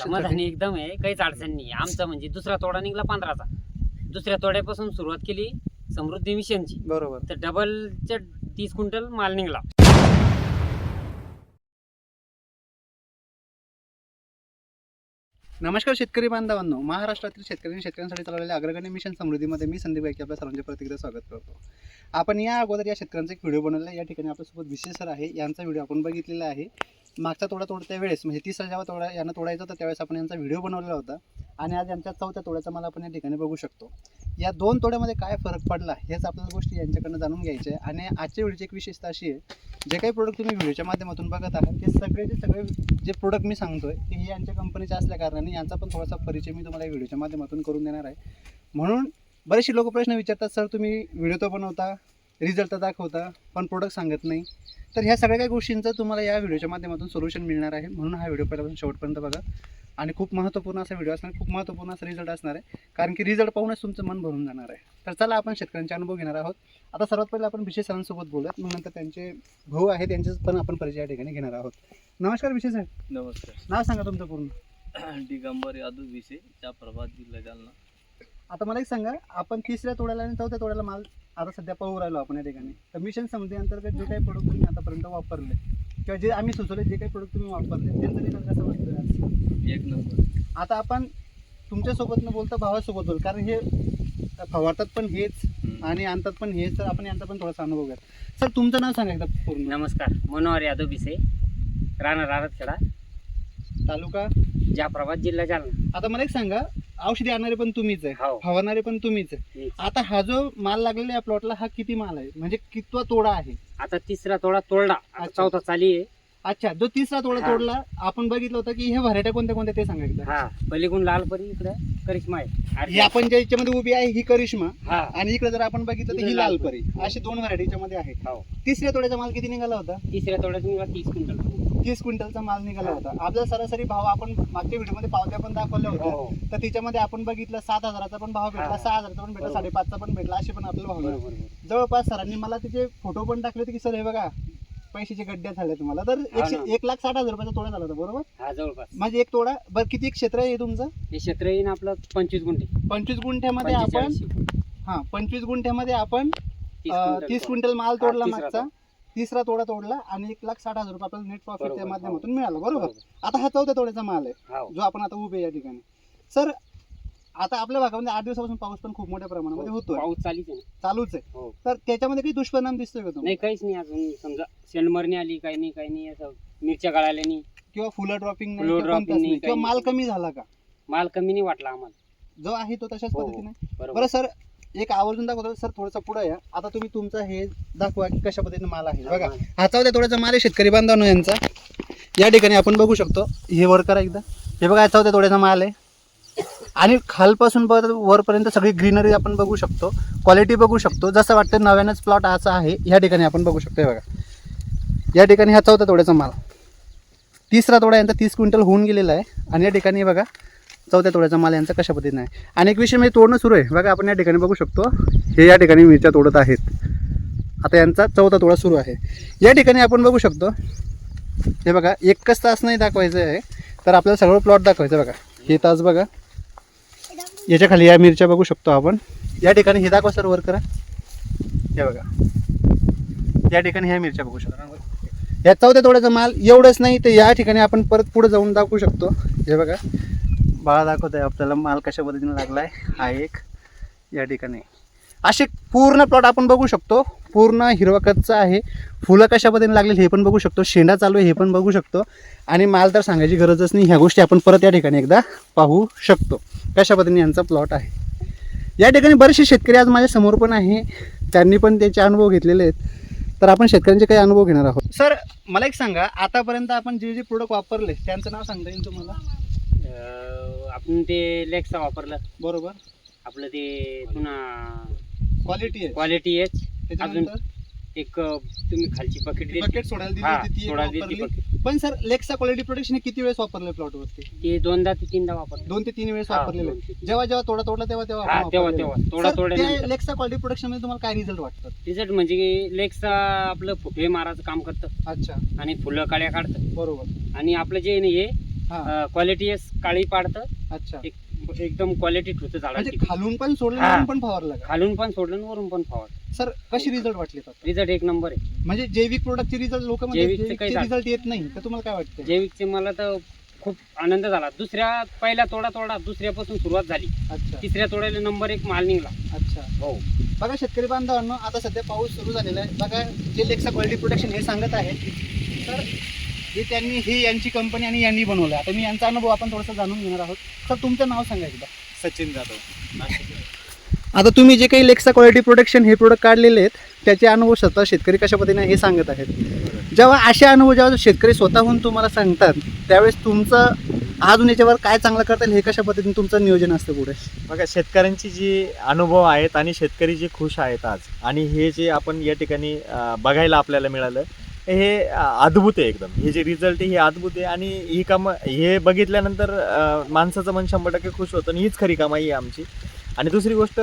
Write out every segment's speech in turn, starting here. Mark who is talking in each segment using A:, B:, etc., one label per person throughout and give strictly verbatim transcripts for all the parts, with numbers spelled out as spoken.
A: समाधानी एकदम आहे, काहीच अडचण नाही. आमचा म्हणजे दुसरा तोडा निघाला पंधराचा. दुसऱ्या तोड्यापासून सुरुवात केली समृद्धी मिशनची,
B: बरोबर.
A: तर डबलच्या तीस क्विंटल माल निघाला.
B: नमस्कार शेतकरी बांधवांनो, महाराष्ट्रातील शेतकरी आणि शेतकऱ्यांसाठी चालवलेल्या अग्रगण्य मिशन समृद्धीमध्ये मी संदीप गायके आपल्या सर्वांचे प्रतिक्रिया स्वागत करतो. आपण या अगोदर या शेतकऱ्यांचा एक व्हिडिओ बनवला आहे. या ठिकाणी आपल्यासोबत विशेष सर आहे. यांचा व्हिडिओ आपण बघितलेला आहे. मागचा तोडा तोडत्या वेळेस म्हणजे तिसरा जेव्हा तोडा यांना तोडायचा होता त्यावेळेस आपण यांचा व्हिडिओ बनवलेला होता आणि आज यांच्या चौथ्या तोड्याचा मला आपण या ठिकाणी बघू शकतो. या दोन तोड्यामध्ये काय फरक पडला हेच आपल्याला गोष्टी यांच्याकडनं जाणून घ्यायचे आहे. आणि आजच्या व्हिडिओची एक विशेषता अशी आहे, जे काही प्रोडक्ट तुम्ही व्हिडिओच्या माध्यमातून बघत आहात ते सगळेचे सगळे जे प्रोडक्ट मी सांगतोय ते हे यांच्या कंपनीचे असल्या कारणाने यांचा पण थोडासा परिचय मी तुम्हाला या व्हिडिओच्या माध्यमातून करून देणार आहे. म्हणून बरेचसे लोक प्रश्न विचारतात, सर तुम्ही व्हिडिओ तर बनवता, रिझल्ट तर दाखवता, पण प्रोडक्ट सांगत नाही. तर ह्या सगळ्या काही गोष्टींचं तुम्हाला या व्हिडिओच्या माध्यमातून सोल्युशन मिळणार आहे. म्हणून हा व्हिडिओ पहिल्यापासून शेवटपर्यंत बघा आणि खूप महत्त्वपूर्ण असा व्हिडिओ असणार, खूप महत्त्वपूर्ण असा रिझल्ट असणार आहे. कारण की रिझल्ट पाहूनच तुमचं मन भरून जाणार आहे. तर चला आपण शेतकऱ्यांचे अनुभव घेणार आहोत. आता सर्वात पहिले आपण विशेष सरांसोबत बोलूयात, मग नंतर त्यांचे भाऊ आहेत त्यांचे पण आपण परिचय या ठिकाणी घेणार आहोत. नमस्कार विशेष साहेब.
C: नमस्कार.
B: नाव सांगा तुमचं पूर्ण.
C: दिगंबर यादव विषय त्या प्रभात जिल्हा जालना.
B: आता मला एक सांगा, आपण तिसऱ्या तोड्याला आणि चौथ्या तोड्याला माल आता सध्या पाहू राहिलो आपण या ठिकाणी. तर मिशन समृद्धी अंतर्गत जे काही प्रोडक्ट तुम्ही आतापर्यंत वापरले किंवा जे आम्ही सुचवले जे काही प्रोडक्ट तुम्ही वापरले त्यांचं रिझल्ट कसं वाटतं आज?
C: एक नंबर.
B: आता आपण तुमच्यासोबत न बोलता भावासोबत बोल, कारण हे फवारतात पण हेच आणि आणतात पण हेच, तर आपण यांचा पण थोडासा अनुभव घ्या. सर तुमचं नाव सांगा एकदा पूर्ण.
A: नमस्कार, मनोहर यादव बिसे, राणा रारतखेडा,
B: तालुका
A: जाफराबाद, जिल्हा जालना.
B: आता मला एक सांगा, औषधी आणणारे पण तुम्हीच आहे,
A: हो.
B: फवारणारे पण तुम्हीच आहे.
A: मीच.
B: आता हा जो माल लागलेला या प्लॉटला हा किती माल आहे, म्हणजे कितवा तोडा आहे?
A: आता तिसरा तोडा तोडला, आता
B: अच्छा.
A: चौथा चाली आहे.
B: अच्छा, जो तिसरा तोडा
A: हा.
B: तोडला आपण बघितलं होतं की हे व्हरायट्या कोणत्या कोणत्या ते सांगा एकदा.
A: हा, पलीकडून लालपरी, इकडे करिश्मा आहे.
B: ही आपण ज्या याच्यामध्ये उभी आहे ही करिश्मा
A: हा,
B: आणि इकडे जर आपण बघितलं तर ही
A: इकडे
B: लालपरी,
A: लालपरी.
B: असे दोन व्हरायटीच्या मध्ये आहे.
A: हो.
B: तिसऱ्या तोड्याचा माल किती निघाला होता?
A: तिसऱ्या तोड्यात निघाला तीस क्विंटल.
B: तीस क्विंटलचा माल निघाला
A: हा.
B: होता. आपला सरासरी भाव आपण मागच्या व्हिडिओमध्ये पावत्या पण दाखवल्या होत्या,
A: हो.
B: तर तिच्यामध्ये आपण बघितलं सात हजाराचा पण भाव भेटला,
A: हा.
B: सहा हजाराचा पण भेटला,
A: बरोबर.
B: साडेपाचचा पण भेटला, असे पण आपल्याला भाव मिळाले.
A: बरोबर.
B: जवळपास सरांनी मला तिचे फोटो पण टाकले होते की सर हे बघा पैशाचे गड्डे झाले तुम्हाला. तर एकशे
A: ना.
B: एक लाख साठ हजार रुपयाचा तोडा झाला होता, बरोबर?
A: हा, जवळपास.
B: म्हणजे एक तोडा. बरं किती क्षेत्र आहे हे तुमचं?
A: हे क्षेत्र येईन आपलं पंचवीस गुंठे.
B: पंचवीस गुंठ्यामध्ये आपण
A: पंचेचाळीस.
B: हा पंचवीस गुंठ्यामध्ये आपण
A: तीस
B: अं,
A: क्विंटल
B: तीस
A: तोडा.
B: क्विंटल माल
A: हा,
B: तोडला
A: तिसरा
B: मागचा.
A: तोडा.
B: तिसरा तोडा तोडला आणि एक लाख साठ हजार रुपये आपल्याला नेट प्रॉफिट त्या
A: बरोबर.
B: माध्यमातून मिळाला, बरोबर?
A: बरोबर.
B: आता हा चौथ्या तोड्याचा माल आहे
A: हो.
B: जो आपण आता उभे या ठिकाणी. सर आता आपल्या भागामध्ये आठ दिवसापासून पाऊस पण खूप मोठ्या प्रमाणामध्ये होतोय,
A: पाऊस चालीच आहे ना.
B: चालूच आहे.
A: हो.
B: तर त्याच्यामध्ये काही दुष्परिणाम दिसतोय का तुम्हाला?
A: नाही, काहीच नाही अजून. समजा शेंडमरणी आली, काही नाही काही नाही, असं मिरच्या गळाल्या नाही,
B: किंवा फुलं ड्रॉपिंग नाही,
A: फुलं
B: किंवा
A: dropping
B: कोणताच
A: नाही,
B: नाही, किंवा
A: काही
B: माल
A: नाही.
B: कमी झाला का?
A: माल कमी नाही वाटला आम्हाला.
B: जो आहे तो तशाच
A: हो,
B: पद्धतीने.
A: बरोबर.
B: बरं सर, एक आवर्जून दाखवतो सर, थोडंसं पुढे या. आता तुम्ही तुमचा हे दाखवा की कशा पद्धतीने माल आहे. बघा हा चौथ्या तोड्याचा माल आहे शेतकरी बांधवांनो यांचा. या ठिकाणी आपण बघू शकतो, हे वर करा एकदा. हे बघा चौथ्या तोड्याचा माल आहे आणि खालपासून वरपर्यंत सगळी ग्रीनरी आपण बघू शकतो, क्वालिटी बघू शकतो, जसं वाटतं नव्यानंच प्लॉट असा आहे. या ठिकाणी आपण बघू शकतो. हे बघा या ठिकाणी हा चौथ्या तोड्याचा माल, तिसरा तोडा यांचा तीस क्विंटल होऊन गेलेला आहे आणि या ठिकाणी बघा चौथ्या तोड्याचा माल यांचा कशा पद्धतीने आहे. आणि एक विषय म्हणजे तोडणं सुरू आहे. बघा आपण या ठिकाणी बघू शकतो, हे या ठिकाणी मिरच्या तोडत आहेत. आता यांचा चौथा तोडा सुरू आहे. या ठिकाणी आपण बघू शकतो, हे बघा एकच तास नाही दाखवायचं आहे, तर आपल्याला सगळं प्लॉट दाखवायचं. बघा हे तास बघा, याच्या खाली या मिरच्या बघू शकतो आपण. या ठिकाणी हे दाखवा सर, वर करा. हे बघा या ठिकाणी ह्या मिरच्या बघू शकतो. या चौथ्या तोड्याचा माल एवढंच नाही तर या ठिकाणी आपण परत पुढे जाऊन दाखवू शकतो. हे बघा बाळा दाखवत आहे आपल्याला माल कशा पद्धतीने लागला आहे. हा एक या ठिकाणी असे पूर्ण प्लॉट आपण बघू शकतो, पूर्ण हिरवा कच्चा आहे. फुलं कशा पद्धतीने लागलेली हे पण बघू शकतो, शेंडा चालू आहे हे पण बघू शकतो. आणि माल तर सांगायची गरजच नाही. ह्या गोष्टी आपण परत या ठिकाणी एकदा पाहू शकतो कशा पद्धतीने यांचा प्लॉट आहे. या ठिकाणी बरेचसे शेतकरी आज माझ्या समोर पण आहे, त्यांनी पण त्याचे अनुभव घेतलेले आहेत. तर आपण शेतकऱ्यांचे काही अनुभव घेणार आहोत. सर मला एक सांगा, आतापर्यंत आपण जे जे प्रोडक्ट वापरले त्यांचं नाव सांगता येईल तुम्हाला?
A: अं, आपण ते लेक्सा वापरलं,
B: बरोबर.
A: आपलं ते पुन्हा
B: क्वालिटी आहे.
A: क्वालिटी एच, अजून
B: त्याच्यानंतर
A: एक अं, तुम्ही खालची बकेट दिली,
B: बकेट सोडायला दिली
A: हा,
B: होती ती एक
A: सोडायला दिली ती
B: वापरली.
A: bucket.
B: पण सर लेक्सा क्वालिटी प्रोडक्शन किती वेळेस वापरले प्लॉटवरती?
A: ते दोनदा ते तीनदा वापरलं.
B: दोन ते तीन वेळेस
A: हा,
B: वापरलेले.
A: दोन ते तीन.
B: जेव्हा जेव्हा तोडा तोडला तेव्हा तेव्हा
A: हा,
B: आपण
A: तेव्हा
B: वापरलेलं.
A: तेव्हा तोडा
B: सर,
A: तोडल्यानंतर
B: ते लेक्सा क्वालिटी प्रोडक्शन मध्ये तुम्हाला काय रिझल्ट वाटतात?
A: रिझल्ट म्हणजे लेक्सा आपलं फुटे मारायचं काम करतं
B: अच्छा,
A: आणि फुलं काळ्या काढतं.
B: बरोबर.
A: आणि आपलं जे नाही हे
B: हा
A: क्वालिटी काळी पाडतं,
B: अच्छा.
A: एक एकदम क्वालिटी ठेवतं
B: म्हणजे
A: झाडाची.
B: खालून पण सोडलं
A: हा.
B: वरून पण फवारलं का?
A: खालून पण सोडलं आणि वरून पण फवार.
B: सर कशी रिझल्ट वाटले आता?
A: रिझल्ट एक नंबर आहे.
B: म्हणजे जैविक प्रोडक्टचे रिझल्ट लोक म्हणतात
A: जैविकचे
B: जैविकचे
A: काही
B: रिझल्ट येत नाही, तर तुम्हाला काय वाटतं?
A: जैविकचे मला तर खूप आनंद झाला. दुसऱ्या पहिला तोडा तोडा दुसऱ्यापासून सुरुवात झाली,
B: अच्छा
A: तिसऱ्या तोड्याला नंबर एक माल निघला.
B: अच्छा.
A: हो.
B: बघा शेतकरी बांधवांनो, आता सध्या पाऊस सुरू झालेला आहे. बघा जे लेक्सा क्वालिटी प्रोटेक्शन हे सांगत आहे, तर हे त्यांनी हे यांची कंपनी आणि यांनी बनवलं. आता मी यांचा अनुभव आपण थोडासा जाणून घेणार आहोत. सर तुमचं नाव सांगा एकदा.
C: सचिन जाधव.
B: आता तुम्ही जे काही लेक्सा क्वालिटी प्रोटेक्शन हे प्रोडक्ट काढलेले आहेत, त्याचे अनुभव स्वतः शेतकरी कशा पद्धतीने हे सांगत आहेत. जेव्हा असे अनुभव जेव्हा शेतकरी स्वतःहून तुम्हाला सांगतात, त्यावेळेस तुमचं अजून याच्यावर काय चांगलं करता येईल हे कशा पद्धतीने तुमचं नियोजन असतं पुढे?
D: बघा, शेतकऱ्यांची जी अनुभव आहेत आणि शेतकरी जे खुश आहेत आज, आणि हे जे आपण या ठिकाणी अं, बघायला आपल्याला मिळालं, हे अं, अद्भुत आहे एकदम. हे जे रिझल्ट आहे हे अद्भुत आहे, आणि ही कामं हे बघितल्यानंतर अं, माणसाचं मन शंभर टक्के खुश होतं, आणि हीच खरी कमाई आहे आमची. आणि दुसरी गोष्ट,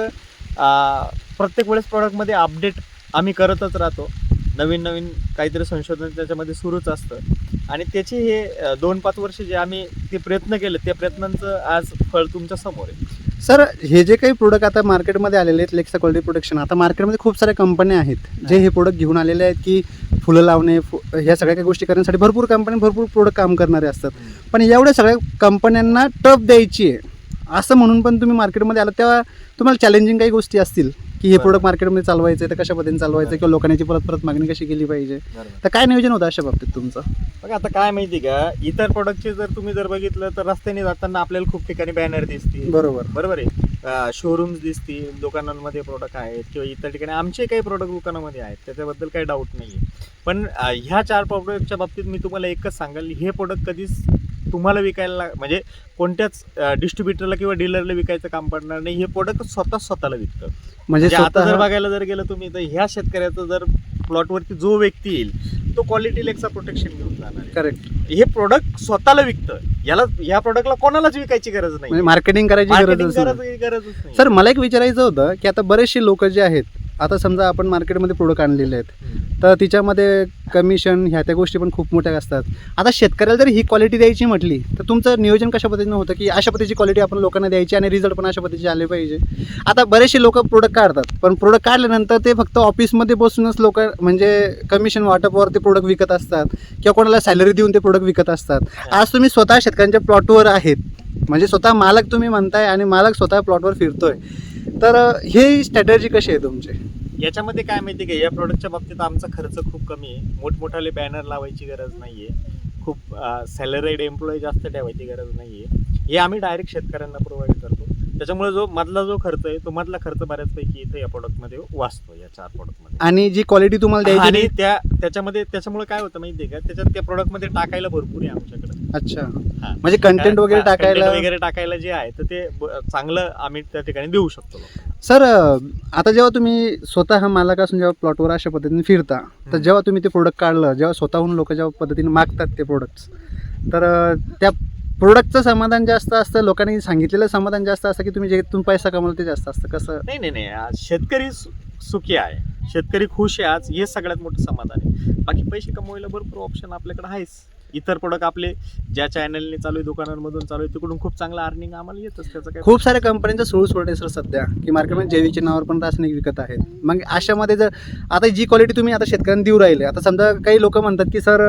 D: अं, प्रत्येक वेळेस प्रॉडक्टमध्ये अपडेट आम्ही करतच राहतो. नवीन नवीन काहीतरी संशोधन त्याच्यामध्ये सुरूच असतं, आणि त्याचे हे अं, दोन पाच वर्ष जे आम्ही ते प्रयत्न केले, त्या प्रयत्नांचं आज फळ तुमच्या समोर आहे.
B: सर हे जे काही प्रोडक्ट आता मार्केटमध्ये आलेले आहेत लेक्सा क्वालिटी प्रोटेक्शन, आता मार्केटमध्ये खूप साऱ्या कंपन्या आहेत जे हे प्रोडक्ट घेऊन आलेले आहेत की फुलं लावणे, फु ह्या सगळ्या काही गोष्टी करण्यासाठी भरपूर कंपन्या भरपूर प्रोडक्ट काम करणारे असतात. पण एवढ्या सगळ्या कंपन्यांना टफ द्यायची आहे असं म्हणून पण तुम्ही मार्केटमध्ये आला, तेव्हा तुम्हाला चॅलेंजिंग काही गोष्टी असतील की हे प्रोडक्ट मार्केटमध्ये चालवायचं आहे, तर कशा पद्धतीने चालवायचं, किंवा लोकांची परत परत मागणी कशी केली पाहिजे, तर काय नियोजन होतं अशा बाबतीत तुमचं?
D: बघा, आता काय माहिती का, इतर प्रोडक्टचे जर तुम्ही जर बघितलं तर रस्त्याने जाताना आपल्याला खूप ठिकाणी बॅनर दिसतील,
B: बरोबर
D: बरोबर आहे, शोरूम्स दिसतील, दुकानांमध्ये प्रोडक्ट आहेत, किंवा इतर ठिकाणी आमचे काही प्रोडक्ट दुकानामध्ये आहेत, त्याच्याबद्दल काही डाऊट नाही आहे. पण अं, ह्या चार प्रोडक्टच्या बाबतीत मी तुम्हाला एकच सांगाल, हे प्रोडक्ट कधीच तुम्हाला विकायला म्हणजे कोणत्याच डिस्ट्रीब्युटरला किंवा डीलरला विकायचं काम पडणार नाही. हे प्रोडक्ट स्वतः स्वतःला विकतं.
B: म्हणजे
D: म्हणजे आता जर
B: स्वतः
D: बघायला जर गेलं तुम्ही, तर ह्या शेतकऱ्याचं जर प्लॉटवरती जो व्यक्ती येईल तो क्वालिटी लेक्सा प्रोटेक्शन घेऊन जाणार आहे.
B: करेक्ट,
D: हे प्रोडक्ट स्वतःला विकतं. याला या प्रोडक्टला कोणालाच विकायची गरज
B: म्हणजे
D: नाही,
B: मार्केटिंग करायची
D: मार्केटिंग
B: गरज नाही.
D: गरज गरजच नाही.
B: सर मला एक विचारायचं होतं की आता बरेचसे लोक जे आहेत, आता समजा आपण मार्केटमध्ये प्रोडक्ट आणलेले आहेत, तर तिच्यामध्ये कमिशन ह्या त्या गोष्टी पण खूप मोठ्या असतात. आता शेतकऱ्याला जर ही क्वालिटी द्यायची म्हटली, तर तुमचं नियोजन कशा पद्धतीनं होतं की अशा पद्धतीची क्वालिटी आपण लोकांना द्यायची आणि रिझल्ट पण अशा पद्धतीचे आले पाहिजे? आता बरेचसे लोक प्रोडक्ट काढतात, पण प्रोडक्ट काढल्यानंतर ते फक्त ऑफिसमध्ये बसूनच लोक म्हणजे कमिशन वाटपवर ते प्रोडक्ट विकत असतात, किंवा कोणाला सॅलरी देऊन ते प्रोडक्ट विकत असतात. आज तुम्ही स्वतः शेतकऱ्यांच्या प्लॉटवर आहेत, म्हणजे स्वतः मालक तुम्ही म्हणताय आणि मालक स्वतः प्लॉटवर फिरतोय, तर हे स्ट्रॅटेजी कशी आहे तुमची?
D: याच्यामध्ये काय माहिती का, या प्रोडक्टच्या बाबतीत आमचा खर्च खूप कमी आहे. मोठमोठाले बॅनर लावायची गरज नाहीये, खूप सॅलरीड एम्प्लॉई जास्त ठेवायची गरज नाहीये. हे आम्ही डायरेक्ट शेतकऱ्यांना प्रोव्हाइड करतो. त्याच्यामुळे जो मधला जो खर्च आहे, तो मधला खर्च बऱ्याचपैकी इथे या प्रोडक्टमध्ये वाचतो, या चार प्रोडक्टमध्ये.
B: आणि जी क्वालिटी तुम्हाला द्यायची
D: आणि त्या त्याच्यामध्ये त्याच्यामुळे काय होतं माहिती आहे का, त्याच्यात त्या प्रोडक्टमध्ये टाकायला भरपूर आहे आमच्याकडे.
B: अच्छा,
D: हा.
B: म्हणजे कंटेंट वगैरे
D: हा,
B: टाकायला
D: content वगैरे टाकायला जे आहे, तर ते ब- चांगलं आम्ही त्या ठिकाणी देऊ शकतो लोकांना.
B: सर आता जेव्हा तुम्ही स्वतः मालक असून जेव्हा प्लॉटवर अशा पद्धतीने फिरता, तर जेव्हा तुम्ही ते प्रोडक्ट काढलं, जेव्हा स्वतःहून लोक जेव्हा पद्धतीने मागतात ते प्रोडक्ट्स, तर अं, त्या प्रोडक्टचं समाधान जास्त असतं, लोकांनी सांगितलेलं समाधान जास्त असतं, की तुम्ही जे तुम्ही पैसा कमवला ते जास्त असतं? कसं?
D: नाही नाही नाही आज शेतकरी सु- सुखी आहे, शेतकरी खुश आहे, आज हे सगळ्यात मोठं समाधान आहे. बाकी पैसे कमवायला भरपूर ऑप्शन आपल्याकडे आहेच. इतर प्रोडक्ट आपले ज्या चॅनलने चालू आहे, दुकानांमधून चालू आहे, तिकडून खूप चांगलं अर्निंग आम्हाला येतच. त्याचं काय
B: खूप साऱ्या कंपन्यांचं सुरू सोड आहे सर सध्या, की मार्केटमध्ये जैविकच्या नावावर पण रासायनिक विकत आहेत. मग अशामध्ये जर आता जी क्वालिटी तुम्ही आता शेतकऱ्यांना देऊ राहिले, आता समजा काही लोक म्हणतात की सर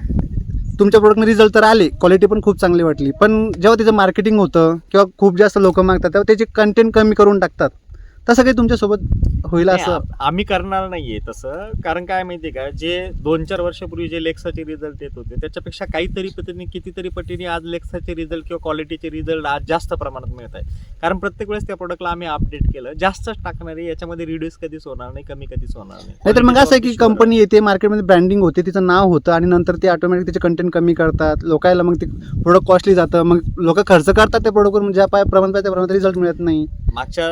B: तुमच्या प्रोडक्टने रिझल्ट तर आले, क्वालिटी पण खूप चांगली वाटली, पण जेव्हा त्याचं मार्केटिंग होतं किंवा खूप जास्त लोक मागतात, तेव्हा त्याचे कंटेंट कमी करून टाकतात. तसं काही तुमच्यासोबत होईल
D: नाही,
B: असं?
D: आ- आम्ही करणार नाहीये तसं. कारण काय माहितीये का, जे दोन चार वर्षापूर्वी जे लेक्साचे रिझल्ट येत होते, त्याच्यापेक्षा काहीतरी पद्धतीने कितीतरी पटीने आज लेक्साचे रिझल्ट किंवा क्वालिटीचे रिझल्ट आज जास्त प्रमाणात मिळत आहे. कारण प्रत्येक वेळेस त्या प्रोडक्टला आम्ही अपडेट केलं, जास्तच टाकणार आहे. याच्यामध्ये रिड्यूस कधीच होणार नाही, कमी कधीच होणार नाही.
B: नाहीतर मग असं आहे की
D: Quality वर
B: कंपनी येते, मार्केटमध्ये ब्रँडिंग होते, तिचं नाव होतं, आणि नंतर ते ऑटोमॅटिक त्याचे कंटेंट कमी करतात, लोकायला मग ते प्रोडक्ट कॉस्टली जातं, मग लोक खर्च करतात त्या प्रोडक्टवर, ज्या पाय प्रमाण पाहिजे त्या प्रमाणात रिझल्ट मिळत नाही.
D: मागच्या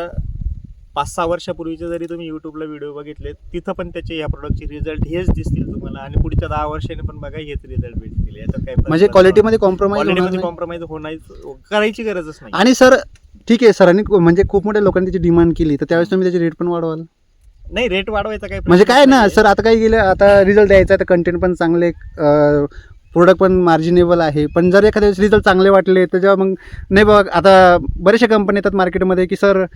D: पाच सहा वर्षापूर्वीचे जरी तुम्ही युट्यूबला व्हिडिओ बघितले, तिथं पण त्याचे या प्रोडक्टचे रिझल्ट हेच दिसतील तुम्हाला, आणि पुढच्या दहा वर्षांनी पण बघा हेच रिझल्ट भेटतील. याच्यात काय
B: म्हणजे क्वालिटीमध्ये कॉम्प्रोमाइज
D: क्वालिटीमध्ये कॉम्प्रोमाइज होणार करायची गरजच नाही.
B: आणि सर ठीक आहे, सरांनी म्हणजे खूप मोठ्या लोकांनी त्याची डिमांड केली, तर त्यावेळेस तुम्ही त्याची रेट पण वाढवाल?
D: नाही, रेट वाढवायचा काय
B: म्हणजे काय ना सर, आता काय गेलं, आता रिझल्ट द्यायचा, तर कंटेंट पण चांगले, प्रोडक्ट पण मार्जिनेबल आहे. पण जर एखाद्या वेळेस रिझल्ट चांगले वाटले तर जेव्हा मग नाही बघ, आता बरेचसे कंपनी येतात मार्केटमध्ये की सर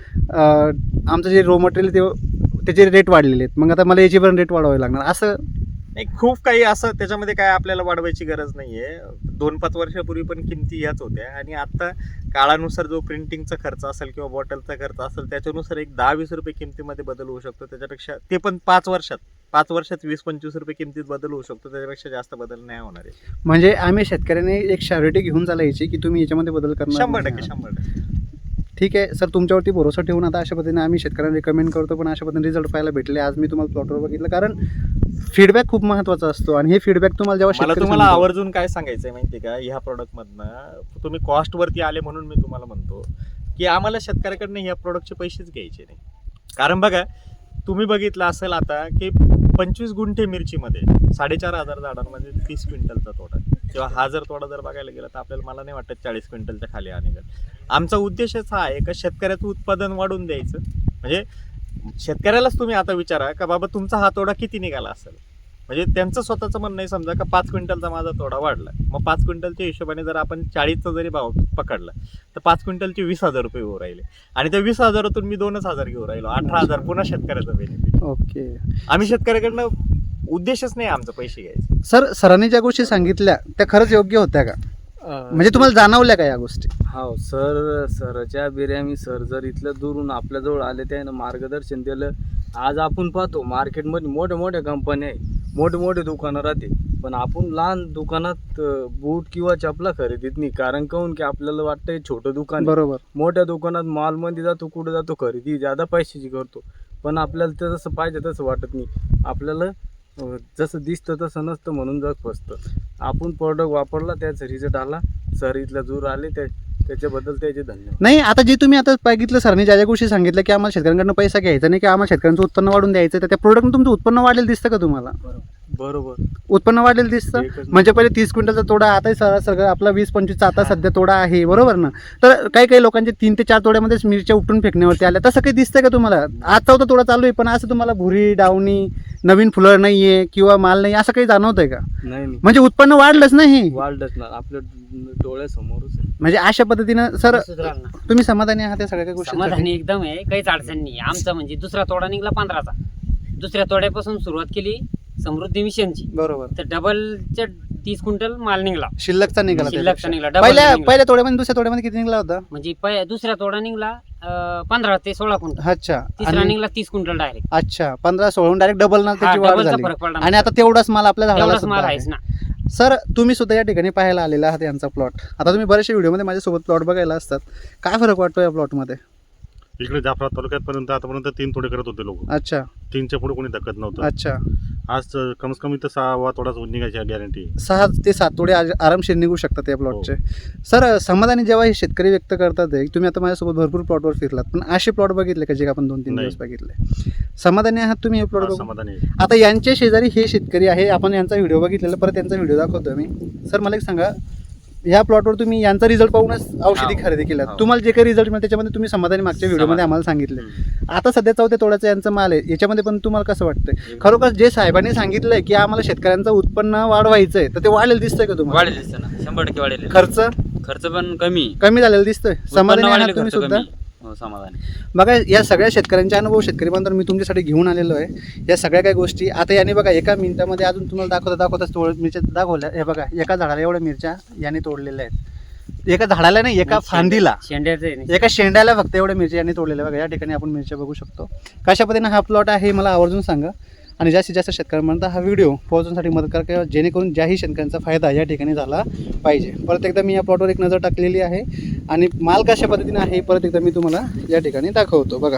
B: आमचं जे रो मटेरियल ते त्याचे रेट वाढलेले आहेत, मग आता मला याची पण रेट वाढवावी लागणार, असं
D: नाही. खूप काही असं त्याच्यामध्ये काय आपल्याला वाढवायची गरज नाही आहे. दोन पाच वर्षापूर्वी पण किमती ह्याच होत्या आणि आता काळानुसार जो प्रिंटिंगचा खर्च असेल किंवा बॉटलचा खर्च असेल त्याच्यानुसार एक दहा वीस रुपये किमतीमध्ये बदल होऊ शकतो. त्याच्यापेक्षा ते पण पाच वर्षात पाच वर्षात वीस पंचवीस रुपये किमतीत बदल होऊ शकतो. त्याच्यापेक्षा जास्त बदल नाही होणार आहे.
B: म्हणजे आम्ही शेतकऱ्याने एक शॅरिटी घेऊन चालायची की तुम्ही याच्यामध्ये बदल करणार
D: शंभर
B: नाही.
D: टक्के शंभर टक्के
B: ठीक आहे सर, तुमच्यावरती भरोसा ठेवून आता अशा पद्धतीने आम्ही शेतकऱ्यांना रिकमेंड करतो, पण अशा पद्धतीने रिझल्ट पाहायला भेटले. आज मी तुम्हाला प्लॉटवर बघितलं, कारण फीडबॅक खूप महत्त्वाचा असतो आणि हे फीडबॅक तुम्हाला जेव्हा
D: मला
B: शेतकरी
D: तुम्हाला
B: सांगतो-
D: आवर्जून काय सांगायचंय माहितीये का, ह्या प्रोडक्टमधनं तुम्ही कॉस्टवरती आले म्हणून मी तुम्हाला म्हणतो की आम्हाला शेतकऱ्याकडनं ह्या प्रोडक्टचे पैसेच घ्यायचे नाही. कारण बघा, तुम्ही बघितलं असेल आता की पंचवीस गुंठे मिरचीमध्ये साडेचार हजार झाडांमध्ये तीस क्विंटलचा तोडा, किंवा हा जर तोडा जर बघायला गेला तर आपल्याला मला नाही वाटत चाळीस क्विंटलच्या खाली आणेल. आमचा उद्देशच हा आहे का शेतकऱ्याचं उत्पादन वाढून द्यायचं. म्हणजे शेतकऱ्यालाच तुम्ही आता विचारा का बाबा तुमचा हा तोडा किती निघाला असेल, म्हणजे त्यांचं स्वतःचं म्हणणं आहे समजा का पाच क्विंटलचा माझा तोडा वाढला, मग पाच क्विंटलच्या हिशोबाने जर आपण चाळीसचा जरी भाव पकडला तर पाच क्विंटलचे वीस हजार रुपये घेऊ राहिले आणि त्या वीस हजारातून मी दोनच हजार घेऊ राहिलो, अठरा हजार पुन्हा शेतकऱ्याचा बेनिफिट.
B: ओके
D: आम्ही शेतकऱ्याकडनं उद्देशच नाही आमचा पैसे घ्यायचे.
B: सर, सरांनी ज्या गोष्टी सांगितल्या त्या खरंच योग्य होत्या का, म्हणजे तुम्हाला जाणवल्या का या गोष्टी?
C: हो सर, सरच्या बिर्याणी सर जर इथलं दुरून आपल्याजवळ आले त्यानं मार्गदर्शन दिलं. आज आपण पाहतो मार्केटमध्ये मोठ्या मोठ्या कंपन्या आहे, मोठे मोठे दुकानं राहते, पण आपण लहान दुकानात अं, बूट किंवा चपला खरेदीत नाही. कारण काहून की आपल्याला वाटतं हे छोटं दुकान आहे.
B: बरोबर.
C: मोठ्या दुकानात मॉलमध्ये जातो, कुठं जातो खरेदी ज्यादा पैशाची करतो, पण आपल्याला ते जसं पाहिजे तसं वाटत नाही. आपल्याला अं, जसं दिसतं तसं नसतं म्हणून जग फसतं. आपण प्रोडक्ट वापरला त्याचा रिझल्ट आला, सर इथला दूर आले त्या त्याच्याबद्दल त्याचे धन्यवाद.
B: नाही, आता जे तुम्ही आता बघितलं सरांनी ज्या ज्या गोष्टी सांगितल्या की आम्हाला शेतकऱ्यांकडनं पैसा घ्यायचा नाही, की आम्हाला शेतकऱ्यांचं उत्पन्न वाढून द्यायचं, तर त्या प्रोडक्टनं तुमचं उत्पन्न वाढलेलं दिसतं का तुम्हाला?
C: बरोबर,
B: उत्पन्न वाढलेलं दिसतं.
C: एकच
B: म्हणजे पहिले तीस क्विंटलचा तोडा, आता सर सगळं आपला वीस पंचवीसचा आता सध्या तोडा आहे, बरोबर ना? तर काही काही लोकांचे तीन ते चार तोड्यामध्येच मिरच्या उपटून फेकण्यावरती आल्या, तसं काही दिसतंय का तुम्हाला? आज चौथा तोडा चालू आहे पण असं तुम्हाला भुरी डावणी नवीन फुलं नाहीये किंवा माल नाही असं काही जाणवतंय का?
C: नाही नाही
B: म्हणजे उत्पन्न वाढलंच नाही.
C: वाढलंच ना, आपल्या डोळ्यासमोरच आहे.
B: म्हणजे अशा पद्धतीनं सर
A: सुधारलं ना.
B: तुम्ही समाधानी आहात या सगळ्या गोष्टी?
A: समाधानी एकदम आहे, काहीच अडचण नाही. आमचा म्हणजे दुसरा तोडा निघला पंधराचा, दुसऱ्या तोड्यापासून सुरुवात केली समृद्धी मिशनची,
B: बरोबर.
A: तर डबलच्या तीस क्विंटल माल निघला,
B: शिल्लकचा निघाला
A: शिल्लकचा
B: त्यापेक्षा.
A: निघाला, डबल
B: पहिल्या
A: निघाला.
B: पहिल्या तोड्यामध्ये दुसऱ्या तोड्यामध्ये किती निघाला होता?
A: म्हणजे पहि- दुसरा तोडा निघला अं, पंधरा ते सोळा क्विंटल,
B: अच्छा.
A: तिसरा
B: आणि
A: निघला तीस क्विंटल डायरेक्ट.
B: अच्छा, पंधरा सोळून डायरेक्ट डबल ना त्याची वाढ
A: डबलचा
B: झाली.
A: फरक पडला.
B: आणि आता तेवढाच माल आपल्या झाडाला
A: एवढाच
B: सुद्धा
A: माल
B: आहे.
A: आहेच ना.
B: सर, तुम्ही सुद्धा या ठिकाणी पाहायला आलेला आहात यांचा प्लॉट. आता तुम्ही बऱ्याचशा व्हिडिओमध्ये माझ्यासोबत प्लॉट बघायला असतात, काय फरक वाटतो या प्लॉटमध्ये?
E: इकडे जाफरा तालुक्यात आतापर्यंत तीन तोडे करत होते लोक,
B: अच्छा
E: तीनच्या पुढे कोणी धक्कत नव्हतं.
B: अच्छा.
E: आज कमीत कमी तर सहावा तोडाच निघायची गॅरंटी.
B: सहा ते सात तोडे आज- आरामशीर निघू शकतात या प्लॉटचे. सर, समाधानी जेव्हा हे शेतकरी व्यक्त करतात आहे, तुम्ही आता माझ्यासोबत भरपूर प्लॉटवर फिरलात, पण असे प्लॉट बघितले का जे आपण दोन तीन
E: नाही.
B: दिवस बघितले? समाधानी आहात तुम्ही हे प्लॉट
E: आज
B: बघून?
E: समाधानी आहे.
B: आता यांच्या शेजारी हे शेतकरी आहे, आपण यांचा व्हिडिओ बघितलेला, परत यांचा व्हिडिओ दाखवतो मी. सर, मला एक सांगा, या प्लॉटवर तुम्ही यांचा रिझल्ट पाहूनच औषधी
C: हो.
B: खरेदी केल्या,
C: हो.
B: तुम्हाला जे काही रिझल्ट मिळाले त्याच्यामध्ये तुम्ही समाधानी मागच्या व्हिडिओमध्ये आम्हाला सांगितले. आता सध्या चौथ्या तोड्याचा यांचा माल आहे, याच्यामध्ये पण तुम्हाला कसं वाटतंय? खरोखर जे साहेबांनी सांगितलंय की आम्हाला शेतकऱ्यांचं उत्पन्न वाढवायचंय, तर ते वाढलेलं दिसतंय का तुम्हाला?
F: वाढेल दिसतं ना, शंभर टक्के वाढेल.
B: खर्च
F: खर्च पण कमी,
B: कमी झालेलं दिसतोय. समाधानी
F: उत्पन्न
B: आहात
F: वाढेल,
B: तुम्ही
F: खर्च
B: सुद्धा?
F: कमी. हो, समाधान.
B: बघा, या सगळ्या शेतकऱ्यांचे अनुभव शेतकरी बांधव मी तुमच्यासाठी घेऊन आलेलो आहे. या सगळ्या काही गोष्टी आता याने बघा एका मिनिटामध्ये अजून तुम्हाला दाखवता दाखवताच तोड मिरच्या दाखवल्या. हे बघा, एका झाडाला एवढ्या मिरच्या याने तोडलेल्या आहेत. एका झाडाला नाही, एका फांदीला,
A: शेंड्याचं आहे ना.
B: एका शेंड्याला फक्त एवढ्या मिरच्या यांनी तोडलेल्या. बघा, या ठिकाणी आपण मिरच्या बघू शकतो. कशा पद्धतीने हा प्लॉट आहे मला आवर्जून सांगा, आणि जास्तीत जास्त शेतकऱ्यांपर्यंत हा व्हिडिओ पोहोचवण्यासाठी मदत करा, किंवा जेणेकरून ज्याही शेतकऱ्यांचा फायदा या ठिकाणी झाला पाहिजे. परत एकदा मी या प्लॉटवर एक नजर टाकलेली आहे आणि माल कशा पद्धतीने आहे परत एकदा मी तुम्हाला या ठिकाणी दाखवतो. बघा,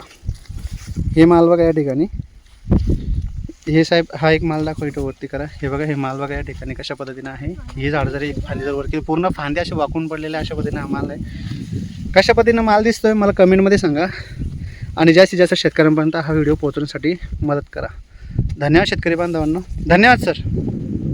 B: हे माल बघा या ठिकाणी. हे साहेब हा एक माल दाखव, इथं वरती करा. हे बघा, हे माल बघा या ठिकाणी कशा पद्धतीने आहे. हे झाड जरी एक फांदी जर वरती पूर्ण फांद्या असे वाकून पडलेले अशा पद्धतीने हा माल आहे. कशा पद्धतीनं माल दिसतोय मला कमेंटमध्ये सांगा, आणि जास्तीत जास्त शेतकऱ्यांपर्यंत हा व्हिडिओ पोहोचवण्यासाठी मदत करा. धन्यवाद शेतकरी बांधवांनो. धन्यवाद सर.